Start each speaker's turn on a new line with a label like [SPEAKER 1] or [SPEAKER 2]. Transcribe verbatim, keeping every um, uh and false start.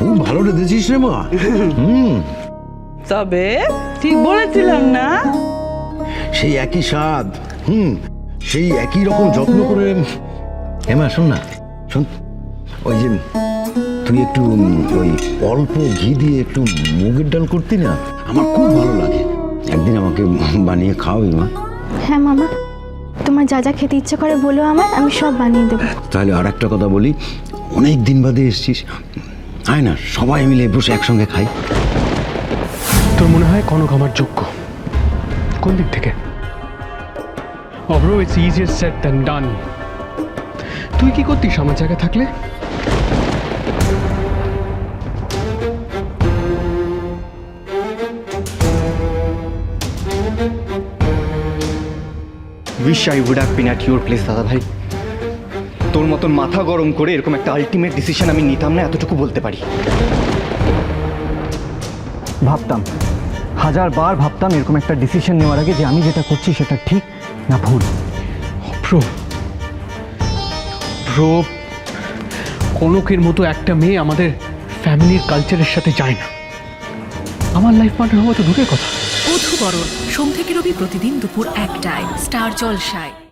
[SPEAKER 1] খুব ভালো রেঁধেছিস রে মা। হুম,
[SPEAKER 2] তবে ঠিক বলেছিলাম না?
[SPEAKER 1] সেই একই স্বাদ, হুম, সেই একই রকম যত্ন করে। হেমা শোন না, শোন, ওই যে তুই একটু উম, ওই অল্প ঘি দিয়ে একটু মুগের ডাল করতি না, আমার খুব ভালো লাগে। একদিন আমাকে বানিয়ে খাওয়াবি মা?
[SPEAKER 3] হ্যাঁ মামা, তোমার যা যা খেতে ইচ্ছে করে বলো আমার, আমি সব বানিয়ে দেবো।
[SPEAKER 1] তাহলে আর একটা কথা বলি, অনেক দিন বাদে এসছিস, আয় না সবাই মিলে বসে একসঙ্গে খাই।
[SPEAKER 4] তোর মনে হয় কনক আমার যোগ্য? কোন দিক থেকে? অব্র, it's easier said than done. তুই কি করতিস আমার জায়গায় থাকলে?
[SPEAKER 5] Wish I would have been at your place দাদা ভাই। তোর মতন মাথা গরম করে এরকম একটা আলটিমেট ডিসিশন আমি নিতাম না, এতটুকু বলতে পারি। ভাবতাম, হাজার বার ভাবতাম এরকম একটা ডিসিশন নেওয়ার আগে যে আমি যেটা করছি সেটা ঠিক না ভুল।
[SPEAKER 4] প্রো প্রো কনকের মতো একটা মেয়ে আমাদের ফ্যামিলির কালচারের সাথে যায় না। আমার লাইফ পার্টনার হওয়া তো দূরের কথা।
[SPEAKER 6] বধূবরণ সোম থেকে রবি প্রতিদিন দুপুর একটায় স্টার জলসায়।